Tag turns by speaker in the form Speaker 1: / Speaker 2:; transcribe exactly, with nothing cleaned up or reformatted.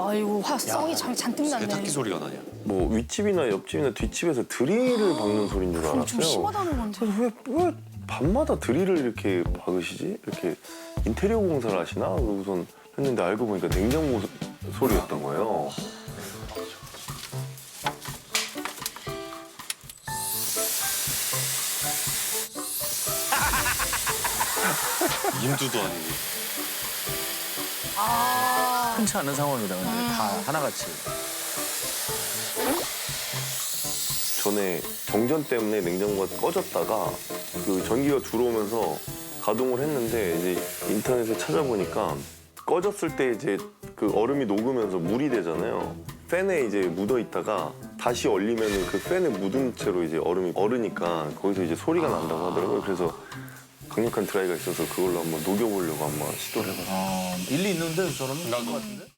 Speaker 1: 아이고 화성이 참 잔뜩 났네.
Speaker 2: 세탁기 소리가 나냐?
Speaker 3: 뭐 윗집이나 옆집이나 뒷집에서 드릴을 박는 소리인 줄
Speaker 1: 그럼
Speaker 3: 알았어요.
Speaker 1: 좀 심하다는 건데.
Speaker 3: 그래서 왜, 왜 밤마다 드릴을 이렇게 박으시지? 이렇게 인테리어 공사를 하시나? 그러고선 했는데 알고 보니까 냉장고 소, 소리였던 거예요.
Speaker 2: 인두도 아니고.
Speaker 1: 아.
Speaker 4: 흔치 않은 상황이다. 근데 다 하나같이.
Speaker 3: 전에 정전 때문에 냉장고가 꺼졌다가 그 전기가 들어오면서 가동을 했는데 이제 인터넷에 찾아보니까 꺼졌을 때 이제 그 얼음이 녹으면서 물이 되잖아요. 팬에 이제 묻어 있다가 다시 얼리면 그 팬에 묻은 채로 이제 얼음이 얼으니까 거기서 이제 소리가 난다고 하더라고요. 그래서 강력한 드라이가 있어서 그걸로 한번 녹여보려고 한번 시도를 해봤어요.
Speaker 4: 어, 일리 있는데 저러면 나도 같은데?